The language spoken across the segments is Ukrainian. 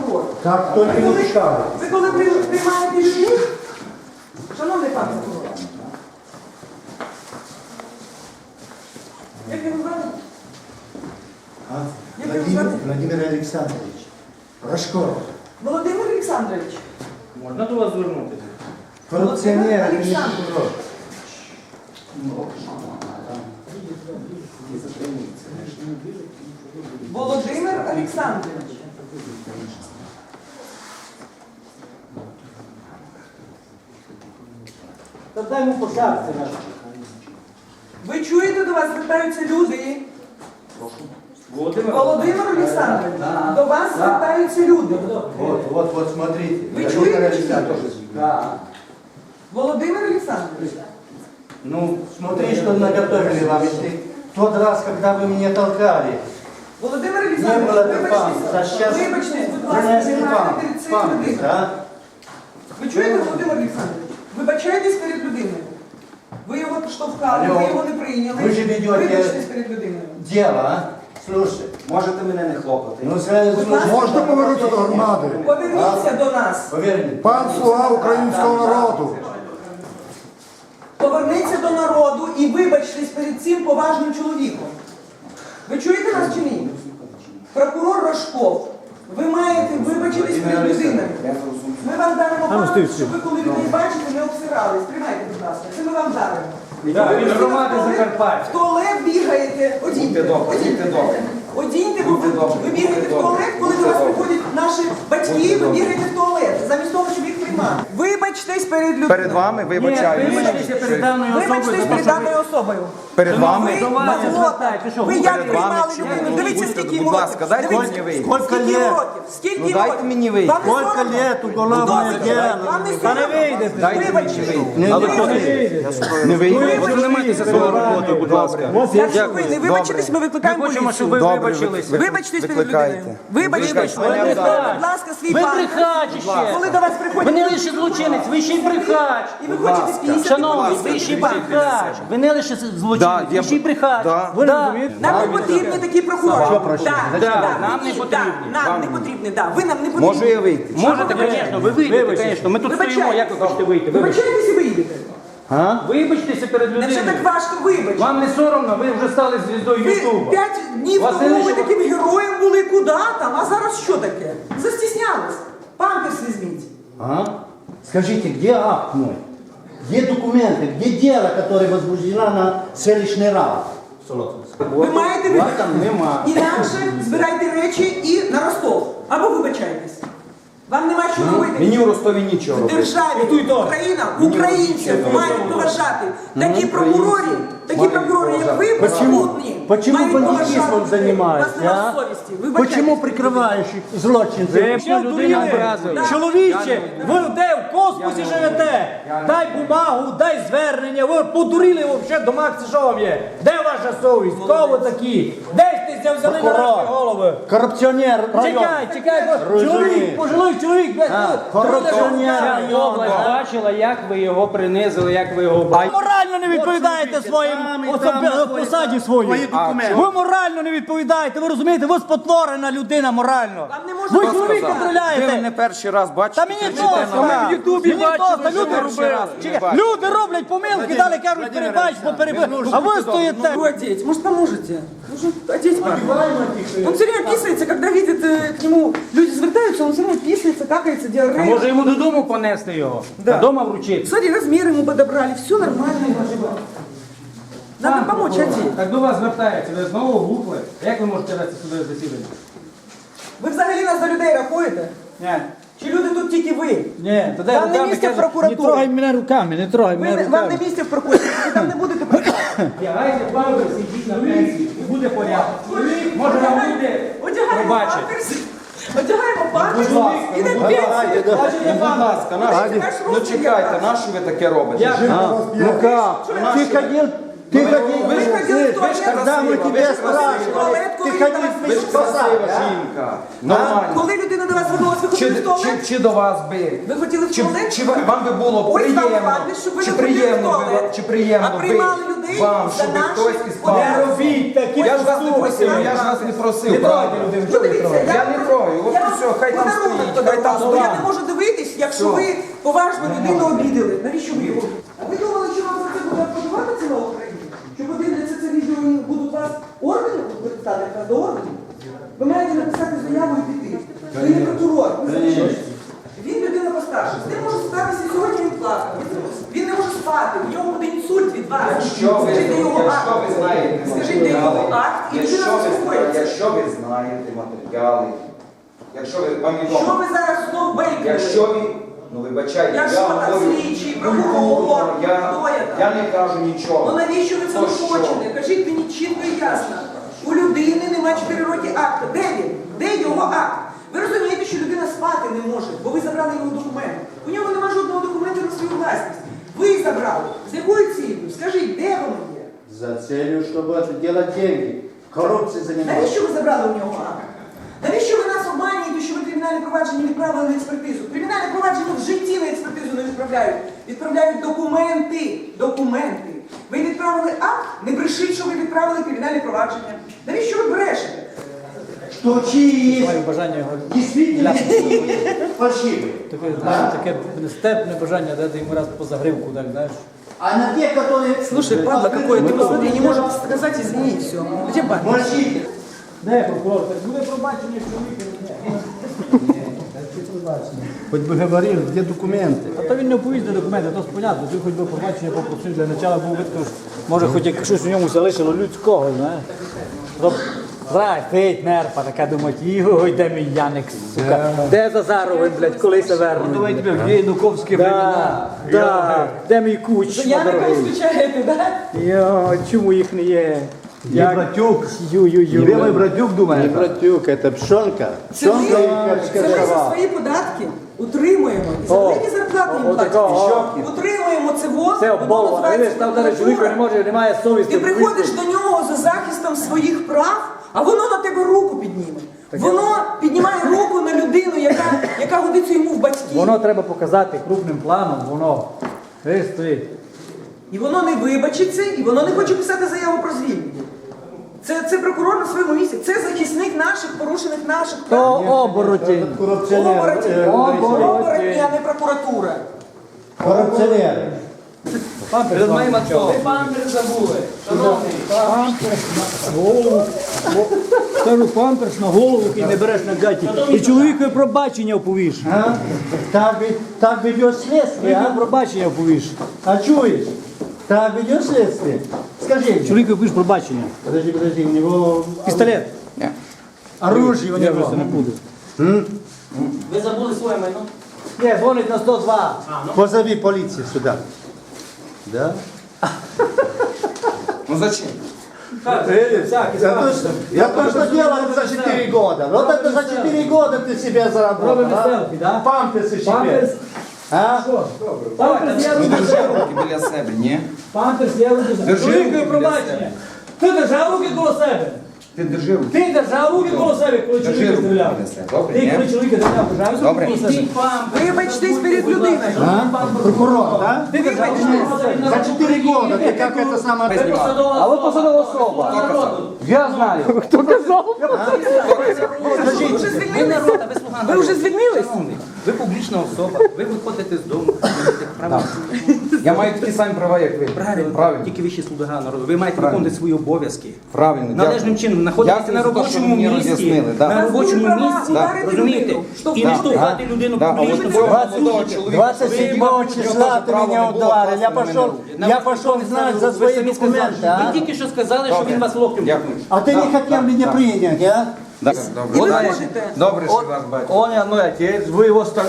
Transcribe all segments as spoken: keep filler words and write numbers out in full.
прокурор. Так тільки не пускали. Ви коли приймаєте людей, шановний пан прокурор, як ви звати? Як ви Владимир, звати? Владимир Олександрович. Рожков. Володимир Олександрович. Можна до вас звернутися? Коррупционер, это не Александр. прокурор. Володимир Олександрович. Та дай йому пошарці наш. Ви чуєте, до вас звертаються люди? Володимир. Володимир Олександрович, до вас звертаються люди. Вот, вот, вот, смотрите. Вы Владимир чуете? Александрович. Да. Володимир Олександрович. Ну, смотри, что наготовили вам. Если тот раз, когда вы меня толкали, Володимир не было Олександрович, бы памперса. А вибачте, сейчас вибачте, будь ласка, принесли знімайте вам перед цією памперс, людиною. а? Ви чуєте, Володимир Олександрович? Вибачайтесь перед людиною. Ви його штовхали, Алло. ви його не прийняли. Ви ж ведете- Вибачтесь перед людиною. Дело, а? Слушай. Можете мене не хлопати. Ну, сразу, Будь ласка. Можна повернутися до громади? Поверніться до нас. Поверь мне. Пан слуга українського народу. Поверніться до народу і вибачтесь перед цим поважним чоловіком. Ви чуєте нас чи ні? Прокурор Рожков, ви маєте вибачитись перед людиною. Ми вам даримо пам'ять, щоб ви коли людей бачите, не обсирались. Тримайте, будь ласка, це ми вам даримо. Так, Ви від постійно громади в туалет- Закарпаття. В туалет бігаєте, одіньте, Будьте добрі, одіньте. будьте добрі. Одіньте, бо ви, Будьте добрі, ви бігаєте будьте в туалет, коли до вас добрі. приходять наші батьки, Будьте ви добрі. бігаєте в туалет, замість того, щоб їх приймати. Вибачтесь перед людиною. Перед вами вибачаюся. Вибачтеся перед даною особою. Вибачтесь за те, перед що ви- даною особою. Перед вами. Ви До вас маглота. звертайте, що Ви ви як перед вами приймали чи- людину? Ну, Дивіться, будьте, скільки будь йому ласка, років. дайте Дивіться, мені вийти. Скільки Скільки лет? років? Скільки Ну, дайте років? мені вийти. Вам не Скільки соромно? лет уголовное Ну, дело? Вам не Та не соромно? вийдете. Дайте мені Вибачте. вийти. Не Вибачте. Не вийти. Ви Ви займайтеся своєю роботою, будь ласка. Якщо ви не вибачитесь, ми Ми викликаємо хочемо, щоб ви поліцію. Добре, вибачились. ви- Вибачтесь перед викликайте. людиною. Вибачтесь. Ви викликайте. Будь ласка, свій Ви пан. брехач ще. Коли до вас приходять... Ви не лише злочинець, ви ще й брехач. І ви хочете спіймати. Шановний, ви ще й брехач. Ви не лише Да, злочинець, я ви ще й б- брехач. да. Ви розумієте? Нам не потрібні такі прокурори. Так, Да, так, нам не ні, потрібні. так, Нам не потрібні, так. Ви нам не потрібні. Можу я вийти? Можете, звісно, ви вийдете, звісно. Ми тут стоїмо, як ви хочете вийти. Вибачте. Вибачайтесь і виїдете. Вибачтеся перед Невже людиною. так важко вибачити? Вам не соромно, ви вже стали звіздою Ви Ютуба. п'ять днів Вас тому не ви лише- таким героєм були, куди там, а зараз що таке? Застіснялись. Памперс візьміть. А? Скажите, где акт мой? Где документы? Где дело, которое возбуждено на селищный раунд? Ви маєте Вас вибачити. там нема. Інакше збирайте речі і на Ростов. Або вибачайтесь. Вам нема що робити. Мені у Ростові нічого В робити. державі Україна, українців мають поважати. Такі прокурори, такі прокурори, як ви, безпутні, Почему мають бандитизмом поважати. занимаешься, У вас нема а? совісті. Вибачайтесь. Почему прикрываешь злочинцев? Да. Чоловіче, ви де в космосі живете? Дай бумагу, дай звернення. Ви подурили взагалі до Макса, що вам є? Де ваша совість? Кого ви такі? Де ж ти взяли на наші голови? Коррупционер район. Чекай, чекай, Розумію. чоловік, пожилий чоловік, блядь, А, ну, корупціонер Вся район, область да. бачила, як ви його принизили, як ви його бачили. Морально не відповідаєте своїм посаді своїй. Ви морально не відповідаєте, ви розумієте, ви спотворена людина морально. Вам не можна Ви сказати. чоловік Ви контроляєте. мене перший раз Та бачите, мені кричите просто, на ми мене. в Ютубі Мені бачили, просто, люди що ви перший раз роблять. не Чекай, бачите. люди роблять помилки, далі кажуть, перебач, поперебач. А ви стоїте. Его одеть. Может, поможете? Нужно одеть парня. Он все время писается, когда видит э, к нему, люди звертаются, он все время писается, какается, А диарея. може йому додому понести його? Да. Додому вручити? Смотри, размер ему подобрали, все нормально. Надо Пан помочь прокурор, одеть. Так до вас звертається, ви знову глупли. Як ви можете вести судове засідання? Ви взагалі нас за людей рахуєте? Ні. Чи люди тут тільки ви? Ні, тоді Вам не руками місце в каже, прокуратурі. не трогай мене руками, не трогай Ви, мене не- вам не руками. місце в прокуратурі, ви там не будете працювати. Вдягайте памперс, ідіть на пенсію, і буде порядок. Може вам буде Одягаємо пробачити. памперс, одягаємо памперс Будь ласка, і на ну, пенсію. Ну, будь ласка, нащо? Ваш Ну розмір чекайте, якраз. на що ви таке робите? Я- Ну как? Ты ходил, ты ходил, Вы же ходили в туалет, когда мы красиво, тебя вы же спрашивали, туалет, ты коли ходил там в Ви ж красива спасать, жінка. Нормально. Коли людина до вас звернулася, ви Чи, хотіли в чи, туалет? чи до вас би? Ви хотіли в Чи, туалет? чи вам би було Ось вам приємно? памперс, щоб ви Чи не ходили в приємно би туалет. вам- чи приємно А би приймали людей вам, за щоб наші хтось із одяги. памперсом? робіть такі Я ж вас не просив, я ж вас не просив, правда? Ну, дивіться, Я не трою. я вам все, хай там подарунок стоїть, подарував. хай там Бо я стоїть. не можу дивитись, якщо Все. ви поважно людину обідали. Навіщо ви його? А ви думали, що вам за це буде аплодувати ціла Україна? Що подивляться це відео і будуть вас орденом викликати, якраз до ордену? Ви маєте написати заяву і піти. Ви не прокурор, ви залишились. Він людина постарша. З ним може статися сьогодні, він плакав. Він- Він не може спати, у нього буде інсульт від вас. Якщо ви, Скажіть, де його якщо акт? ви знаєте Скажіть, де його матеріали, акт, і людина якщо ви, знаєте, заспокоїться. якщо ви знаєте матеріали, якщо ви вам Що відомо, ви зараз знову бейкали? якщо ви, ну вибачайте, Якщо я там говорю слідчий, культурно, прокурор, я, хто я там? я не кажу нічого. Ну навіщо ви це То що? хочете? Кажіть мені чітко і ясно. У людини немає чотири роки акта. Де він? Де його акт? Ви розумієте, що людина спати не може, бо ви забрали його документ. У нього немає жодного документу на свою власність. Ви забрали. З якою цілею? Скажіть, де воно є? За целью, чтобы делать деньги. Коррупцией заниматься. Навіщо ви забрали у нього акт? Навіщо ви нас обманюєте, що ви кримінальне провадження відправили на експертизу? Кримінальне провадження в житті на експертизу не відправляють. Відправляють документи. Документи. Ви відправили акт, не брешіть, що ви відправили кримінальне провадження. Навіщо ви брешете? Что чьи Маю бажання його действительно фальшивые. таке, знаєш, таке нестерпне бажання дати йому раз по загривку, так, знаєш. А на те, которые... Слушай, падла, какое ты посмотри, не может сказать извини, все. Где падла? Мальчики. Де прокурор? Так буде пробачення чоловіка. Хоть бы говорил, где документы? А то він не оповість до документи, то ж понятно, ти хоч би пробачення попросив для начала був видно, що може хоч як щось у ньому залишило людського, знаєш. Роб... Зрай, стоїть нерпа, така думать, йой, де мій Яник, сука, де Зазаровий, блядь, коли се вернуть. Давай тебе в Януковські Да, да, де мій куч, Я не включаєте, да? Йо, чому їх не є? Я братюк. Ю-ю-ю. Тебе мой братюк думает? Не братюк, это пшонка. Це ми, Пшонка, це ми за свої податки утримуємо. І за великі зарплати їм о, такого, платять. Утримуємо це воз, Це воно оболва, називається видиш, там зараз чоловік не може, немає совісті. Ти приходиш до нього за захистом своїх прав, а воно на тебе руку підніме. Воно піднімає руку на людину, яка, яка годиться йому в батьки. Воно треба показати крупним планом, воно. Видиш, стоїть. І воно не вибачиться, і воно не хоче писати заяву про звільнення. Це, це прокурор на своєму місці, це захисник наших, порушених наших То прав. оборотень. Коррупционер. Оборотні, э, оборотні, а не прокуратура. Коррупционер. Перед моїм отцом. Ви памперс забули. Шановний. Памперс на голову. Кажу, памперс на голову і не береш на гаті. І чоловікові пробачення оповіш. А? Так, ведь- так ведет следствие, Чоловікові а? пробачення оповіш. А чуешь? Так ведет следствие? Скажи мне. Чоловікові оповіш пробачення. Подожди, подожди, у него Пістолет. оружие у Я вже него. це не буду. Ви забули своє майно? Ні, дзвонить на сто два. Позови полицию сюда. Да? Ну зачем? Я точно, я точно делал это за четыре года. Вот это за четыре года ты себе заработал. Робимо а? селфі, да? Памперсы себе. Памперс. А? Памперс я Ну роблю. держи руки біля себе, ні? Памперс я роблю. Держи Чоловікові руки пробачення. біля Ти держав руки коло себе. Ти держи руки. Ти держав руки коло себе, коли Держи чоловіка руки стріляв. біля себе, добре, Ти ні? коли чоловіка стріляв, держав руки Добре. коло себе. Вибачтесь перед людиною. А? Прокурор, да? Ти держав руки коло себе. За четыре года ты как это самое... А ви посадова особа. Я знаю. Ви вже звільнились? Народ, а ви слуга Ви вже звільнились? Шановний, ви публічна особа, ви виходите з дому, маєте право. Я маю такі самі права, як ви. Правильно, Правильно. тільки ви ще слуга народу. Ви маєте виконувати свої обов'язки. Правильно. Належним дякую. чином знаходитися Дякую на за те, що робочому мені місці, роз'яснили, да. на робочому Права місці, ударити розумієте? людину, І не штовхати. штовхати людину Да, а от публічно. цього молодого чоловіка... двадцать седьмого числа ты меня ударил. Я пошел, я пошел знать за свои самі сказали. документы, Ви а? тільки що сказали, що він вас локтем. Дякую. А ты не хотел меня принять, а? Да, І Добре, ви Добре, можете. Добре, що вас бачу. Он я, ну отець, ви його стар...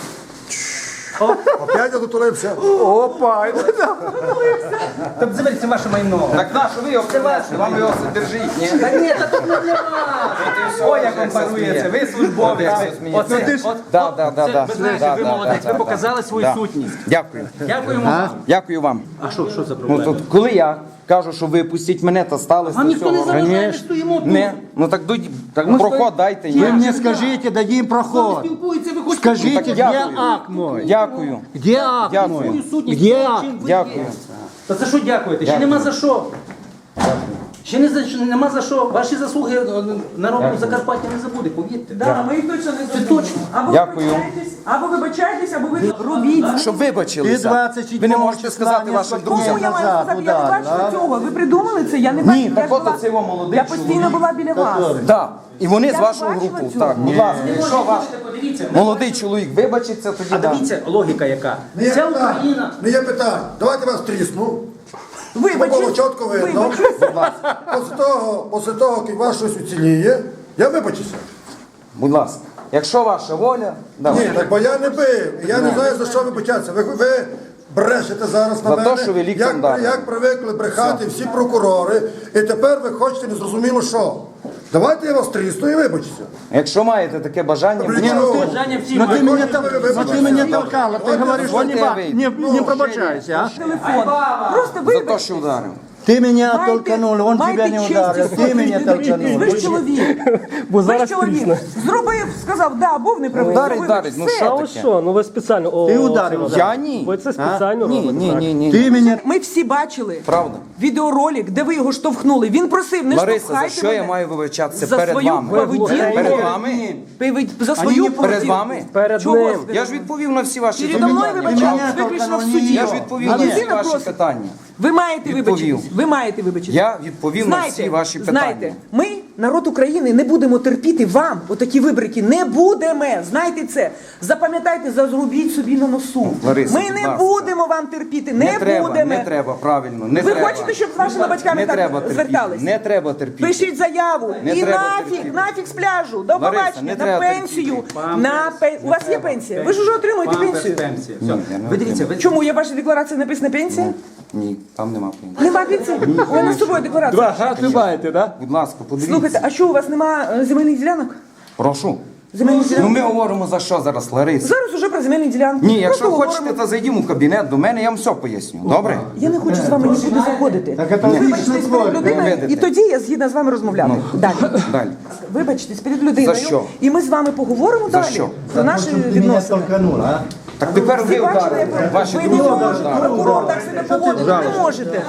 Опять я дотулився. Опа! Тобто заберіться ваше майно. Так на, що ви його принесли? Вам його все держіть, ні? Та ні, та тут не для вас. Ой, як вам парується, ви службовець. Оце, от, Да, да, да, це, да. ви знаєте, Да, ви да, молодець, да, ви да, показали свою да. сутність. Дякую. Дякуємо вам. Дякую вам. А що, що за Ну, проблема? тут, коли я кажу, що ви пустіть мене, то сталося Вам ніхто не всього. заважає, ми стоїмо тут. Не, ну так дойдіть, так Ми проход стоїмо. дайте. Вы ні. мне скажите, дадим Хто не проход. спілкується, ви хочете... Скажите, так где дякую. акт мой? Дякую. Где акт Дякую. мой? Свою сутність, Где те, акт? чим ви Дякую. є. Та це що дякуєте? Ще Дякую. нема за що. Ще не за що, нема за що. Ваші заслуги е, народ Закарпаття не забуде, повірте. Да, ми їх точно не Це забудемо. точно. Або Дякую. вибачайтесь, або вибачайтесь, або ви робіть. Щоб Ти вибачилися. двадцять Ви не можете числа сказати не вашим сфоткнув. Кому друзям. я маю назад, сказати? Я не удар, бачила да? цього. Ви придумали це? Я не Ні, бачила. так Я ж от була- оце його молодий Я постійно чоловік. була біля вас. Так. І вони Я з ж вашого бачила групу. цього. Так, будь ласка, якщо ваш Подивіться, молодий чоловік вибачиться, тоді а да. дивіться, логіка яка. Не є Ця питань. Україна. Не є питань. Давайте вас трісну. Вибачте. Було чітко видно. Вибачте. Після того, після того, як вас щось уціліє, я вибачуся. Будь ласка. Якщо ваша воля, Ні, давайте. так бо я не бив. Я не знаю, за що вибачатися. Ви, ви брешете зараз на За мене, те, що ви ліктем як, дали. як привикли брехати всі прокурори, і тепер ви хочете незрозуміло що. Давайте я вас трісну і вибачуся. Якщо маєте таке бажання, При будь чому? ласка. Бажання всі Ну, мають. ти мене там- ну, ти мене толкала, ти говориш, що не ба- не, не пробачайся, а? Телефон. Просто За те, вибачте. що ударив. Ты меня Майте- толканул, он майте тебя не честь ударил, і ты меня совість. толканул. Ви ж чоловік. Бо Ви ж зараз чоловік. трісне. Зробив, сказав, да, був неправий. Ударить, Вибач, ударить, ну все. що А ось таке? що? Ну ви спеціально. О, Ти о, ударив, це- Я ні. Ви це спеціально Ні, робите, ні, так? ні, ні. Ты меня... Ми всі бачили Правда. відеоролик, де ви його штовхнули. Він просив, не Лариса, за штовхайте що мене. я маю вибачатися За перед свою вами? поведінку. Перед вами? Пи- За Они свою не перед поведінку. вами? Перед Чого ним. ви? Я ж відповів на всі ваші Передо мною запитання. вибачались Мене виключно в толканули, суді. ні. Я ж відповів А на всі людина ваші просить. питання. Ви маєте Відповів. вибачитись. Ви маєте вибачитись. Я відповів на Знаєте, всі ваші питання. знаєте, ми, народ України, не будемо терпіти вам отакі вибрики. Не будемо. Знаєте це. Запам'ятайте, зазрубіть собі на носу. Лариса, Ми будь не ласка. будемо вам терпіти. Не, Не треба, будемо. не треба, правильно, не Ви треба. хочете, щоб з вашими батьками Не так треба терпіти, звертались? не треба терпіти. Пишіть заяву. Не і треба нафіг, терпіти. нафіг з пляжу. До Лариса, побачення. не На треба пенсію. терпіти. На пен... У вас є пенсія? Ви ж вже отримуєте пенсію. Пенсія. Ні, я не Ви дивіться, ви... Чому? Є в вашій декларації написана пенсія? Ні, там нема пенсії. Нема пенсії? У мене з собою декларація. Гад ви маєте, так? Будь ласка, подивіться. Слухайте, а що у вас нема е, земельних ділянок? Прошу. Земельних Ну ділянок? ми говоримо за що зараз, Лариса? Зараз уже про земельні ділянки. Ні, якщо Просто хочете, говоримо. то зайдімо в кабінет до мене, я вам все поясню. Добре? Я не хочу з вами нікуди заходити. Так это Вибачтесь личный перед твой. людиною, видите. і тоді я згідна з вами розмовляти. Далі. Далі. Вибачтесь перед людиною. За що? І ми з вами поговоримо За далі що? про наші Ты меня відносини. толканул, а? Так тепер ви Ви бачили, ударили. як Ваші ви не друзі можете, ударили. прокурор так себе поводити не можете.